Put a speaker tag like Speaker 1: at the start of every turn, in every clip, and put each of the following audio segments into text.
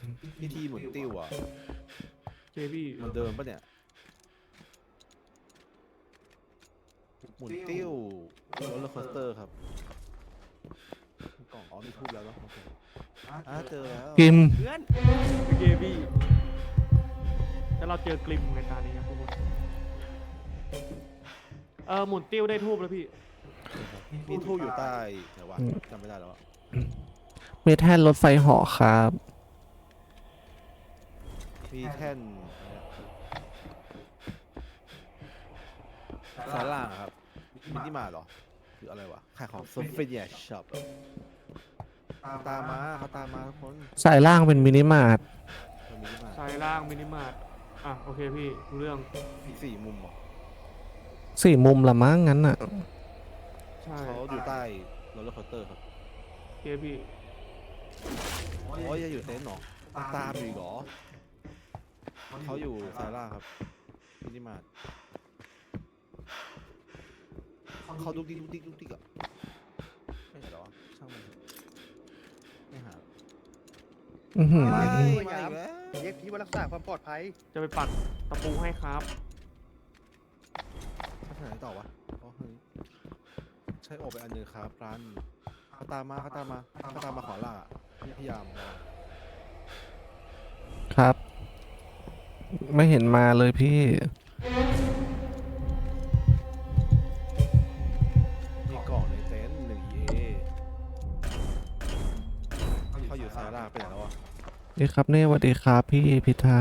Speaker 1: พิธีหมุนติ้วอ่ะ
Speaker 2: เจพี่
Speaker 1: มันเดิมปะเนี่ยหมุนติ้วโรลเลอร์โคสเตอร์ครับกล่องอ๋อมีทูบแล้วเนาะโอเคเจอแล้ว
Speaker 3: กิม
Speaker 2: เพื่อนเจพี่แล้วเราเจอกลิมในตานี้ครับทุกคนหมุนติ้วได้ทูบแล้วพี่
Speaker 1: มีทูบอยู่ใต้แต่ว่าจำไม่ได้แล้วอะ
Speaker 3: มีแท่นรถไฟเหาะครับ
Speaker 1: มีแท่นสายล่างอะครับมินิมาร์ทเหรอหรืออะไรวะขายของโซเฟียช็อปตามมาเขาตามมาทุกคน
Speaker 3: สายล่างเป็นมินิมาร์ท
Speaker 1: มินิมาร์ท
Speaker 2: ซ้ายล่างมินิมาร์ทโอเคพี่รู้เรื่อง
Speaker 1: สี่มุมเหรอ
Speaker 3: 4 มุมละมั้งงั้นอ่ะ
Speaker 2: ใช่
Speaker 1: เขาอยู่ใต้โรลเลอร์โคสเตอร์ครับ
Speaker 2: เจพี่
Speaker 1: โอ้ยยังอยู่เต็นท์เหรอตามอยู่อีกเหรอเขาอยู่สายล่างครับมินิมาร์ทเขาดุกดิกดุกดิกดุกดิกอะไม่เห็นหรอช่างมันไม่หา
Speaker 3: อื้อหือ
Speaker 1: ไม่
Speaker 4: ไม่
Speaker 1: ไม่
Speaker 4: ครับ
Speaker 1: แล้ว
Speaker 4: เรียกพี่ว่ารักษาความปลอดภัย
Speaker 2: จะไปปักตะปูให้ครับ
Speaker 1: เขาไปไหนต่อวะอ๋อเฮ้ยใช้โอไปอันนึงครับร้านเขาตามมาขอล่าพยายาม
Speaker 3: ครับ ไม่เห็นมาเลยพี่
Speaker 1: มีกล่องในเต็นท์1 EA เขาอยู่สายล่างไปไหนแล้วอะ
Speaker 3: นี่ครับเน่สวัสดีครับพี่พิธา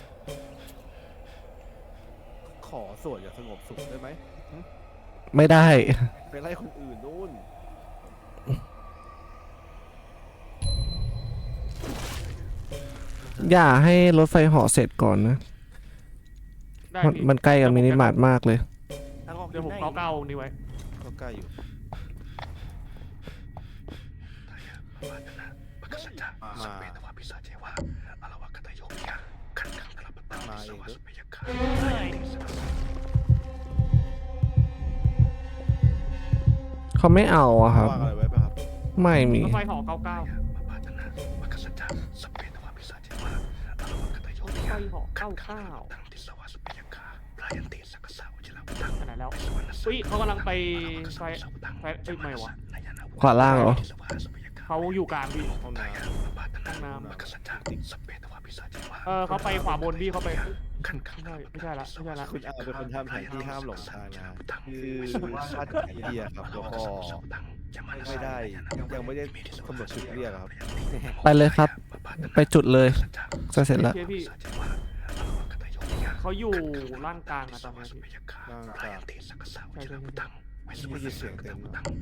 Speaker 1: ขอส่วนอย่างสงบสุขได้ไหม
Speaker 3: ไม่ได้
Speaker 1: ไปไล่คนอื่นนู่น
Speaker 3: อย่าให้รถไฟเหาะเสร็จก่อนนะ
Speaker 2: ได้
Speaker 3: มัน
Speaker 2: พี่
Speaker 3: มันใกล้กับมินิมาร์ทมากเลย
Speaker 2: เดี๋ยวผมเก้านี่ไว้
Speaker 1: ก็ใกล้อยู่มาเองเด้อ
Speaker 3: เขาไม่เอาอะครับ
Speaker 1: วางอะไรไว้ป่ะครับ
Speaker 3: ไม่มี
Speaker 2: รถไฟเหาะเก้าไฟเหาะเก้าไปไหนแล้วอุ้ยเขากำลังไปไฟไม่วะ
Speaker 3: ขวาล่างเหรอ
Speaker 2: เขาอยู่กลางพี่
Speaker 1: ห้องน้
Speaker 2: ห้องน้ำเขาไปขวาบนพี่เขาไปไม่ใช่ละ
Speaker 1: ำคุณอาเป็นคนทำแผนที่ห้ามหลงทางนะคือชาติไอเดียครับแล้วก็ไม่ได้ยังไม่ได้กำหนดจุดเรียกครับ
Speaker 3: ไปเลยครับ ไปจุดเลยจะเสร็จแล้ว
Speaker 2: โอเคพี่เขาอยู่ล่างกลางอะตอนนี้พี่
Speaker 1: ร่างกาย
Speaker 2: ใช่
Speaker 1: ไม่ยินเสียงเต็ม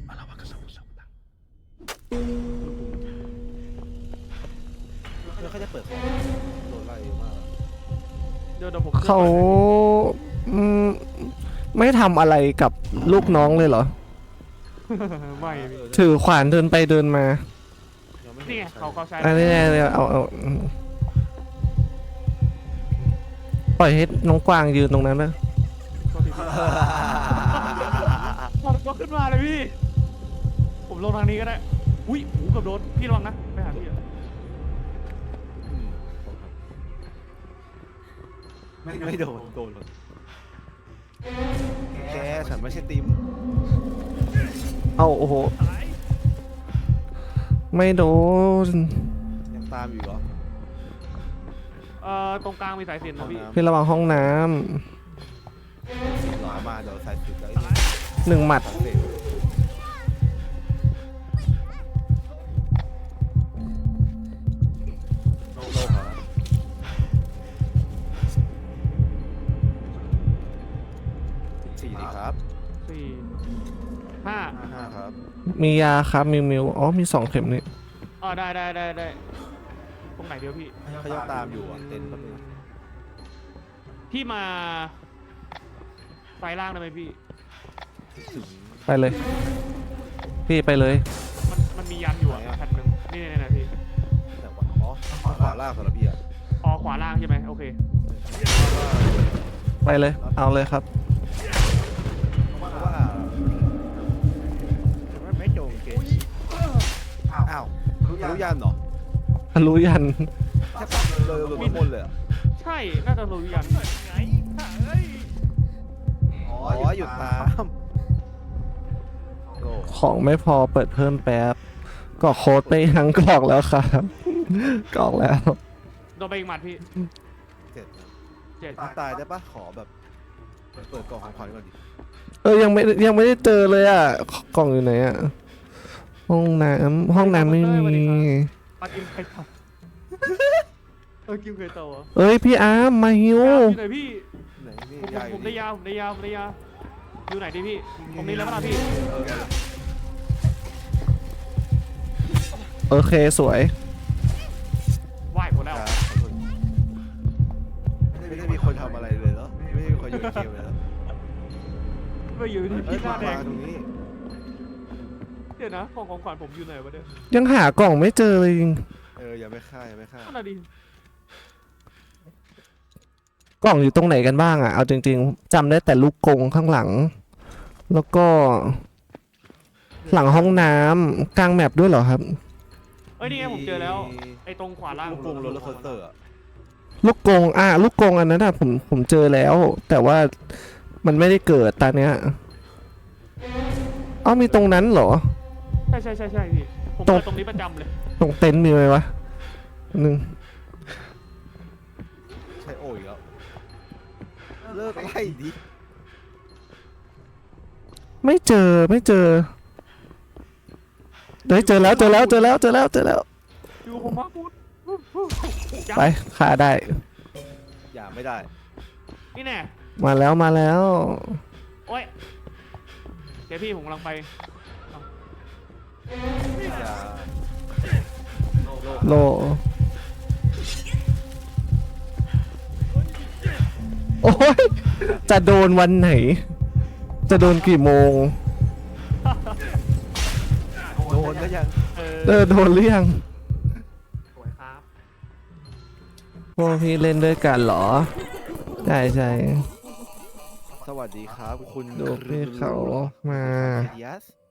Speaker 1: แล้วเขาจะเปิดของโดนไล่มาก
Speaker 2: เดี๋ยวผม
Speaker 3: เขาอืมไม่ทำอะไรกับลูกน้องเลยเหรอ
Speaker 2: ไม่พี่
Speaker 3: ถือขวานเดินไปเดินมา
Speaker 2: นี่ไงเขาใช้
Speaker 3: อันนี้เอาปล่อยให้น้องกวางยืนตรงนั้นนะ
Speaker 2: ก็ขึ้นมาเลยพี่ผมลงทางนี้ก็ได้อุ้ยหูเกือบโดนพี่ระวังนะไปหาพี่
Speaker 1: ไม่โดนแกฉันไม่ใช่ติม
Speaker 3: เอาโอ้โห ไม่โดน
Speaker 1: ยังตามอยู่เหรอ
Speaker 2: ตรงกลางมีสายสิญจน์นะพี่
Speaker 3: พี่ระวังห้องน้
Speaker 1: หลอมาเดี๋ยวใส่สุดแล้ว
Speaker 3: ำ1 หมัด
Speaker 1: สังเกตโลครับ4ดีครับ
Speaker 2: 4 5
Speaker 1: 5ครับ
Speaker 3: มียาครับมิวอ๋อมี2 เข็มนี่
Speaker 2: ได้ตรงไหนเดียวพี่
Speaker 1: เขายังตามอยู่อ่ะเต็นท์แป๊บนึง
Speaker 2: พี่มาไฟล่างได้ไหมพี่
Speaker 1: ถึง
Speaker 3: ไปเลย พี่ไปเลย
Speaker 2: มันมียันอยู่อ่ะแผ่นหนึ่งนี่นะพี่
Speaker 1: แต่ว่าอ๋อขวาล่างสำหรับพี่อ่ะ
Speaker 2: ขวาล่างใช่ไหมโอเค
Speaker 3: ไปเลย เอาเลยครับ
Speaker 1: เพราะว่าไม่โจงเกมอ้าวรู้ยันเหรอ
Speaker 3: รู้ยัน
Speaker 1: แค่ปักเลยหลุดมาบนเลยอะ
Speaker 2: ใช่น่าจะรู้ยัน
Speaker 1: อ๋อหยุดตามโล
Speaker 3: ของไม่พอเปิดเพิ่มแป๊บกรอกโค้ดไปยังกรอกแล้วครับกรอกแล้ว
Speaker 2: โดนไปอีกหมัดพี่
Speaker 1: เจ็ดนะ
Speaker 2: เจ็ด
Speaker 1: ตายได้ปะขอแบบเปิดกล่องของขวัญก่อนดิ
Speaker 3: ยังไม่ได้เจอเลยอ่ะกล่องอยู่ไหนอ่ะห้องน้ำไม่มี
Speaker 2: มากินไข่เต่ากินไข่เต่าเหรอ
Speaker 3: เอ้ยพี่อาร์มมาฮิว
Speaker 2: อยู่ไหนพี่
Speaker 1: ไหนนี่
Speaker 2: ผม
Speaker 1: ยาอ
Speaker 2: ผ
Speaker 1: ยู่
Speaker 2: มได้
Speaker 1: นี่
Speaker 2: ยาผมได้ยาผมได้ยาอยู่ไหนดิพี่ผมนี่แล้วมั้งพี่
Speaker 3: โอเคสวย
Speaker 2: ไหวหมดแล้ว
Speaker 1: ครับไม่ได้มีคนทำอะไรเลยเหรอไม่ได้มีคนอยู่ในเกมเลยเหรอ
Speaker 2: ไปอยู่ที่
Speaker 1: เอ้
Speaker 2: พี่
Speaker 1: ย
Speaker 2: หน้าแด
Speaker 1: มาง ตรงนี้
Speaker 2: เดี๋ยวนะของขวัญผมอยู่ไหนวะเนี่ย
Speaker 3: ยังหากล่องไม่เจอเลยจริง
Speaker 1: อย่าไม่ฆ่าอย่าไม่ฆ่า
Speaker 2: นั่นน่ะดิ
Speaker 3: กล่องอยู่ตรงไหนกันบ้างอ่ะเอาจริงๆจำได้แต่ลูกกรงข้างหลัง แล้วก็ หลังห้องน้ำกลางแมปด้วยเหรอครับ
Speaker 2: เอ้ยนี่ไงผมเจอแล้วไอ้ตรงขวาล่าง
Speaker 1: ลูกกรงโรลเลอร์โคสเตอร์อะ
Speaker 3: ลูกกรงลูกกรงอันนั้นผมเจอแล้ว แต่ว่ามันไม่ได้เกิดตอนเนี้ยเอ้ามีตรงนั้นเหรอ
Speaker 2: ใช่พี่ผม
Speaker 3: ตรง
Speaker 2: เจอตรงนี้ประจำเลย
Speaker 3: ตรงเต็นท์มีไหมวะหนึ่ง
Speaker 1: ใช่โอ้ยแล้วเลิกไล่ดิ
Speaker 3: ไม่เจอเฮ้ยเจอแล้ว
Speaker 2: อยู่ผมมาพูด
Speaker 3: ไปฆ่าได้
Speaker 1: อย่าไม่ได้
Speaker 2: นี่แน่
Speaker 3: มาแล้ว
Speaker 2: โอ้ยเดี๋ยวพี่ผมกำลังไป
Speaker 1: อย่า
Speaker 3: โลโอ้ยจะโดนวันไหน จะโดนกี่โมง
Speaker 1: โดนก็ยัง
Speaker 3: โดนหรือยัง
Speaker 2: สวยครับ
Speaker 3: พวกพี่เล่นด้วยกันเหรอใช่
Speaker 1: สวัสดีครับคุณ
Speaker 3: ดูพี่เขามา
Speaker 1: ยัส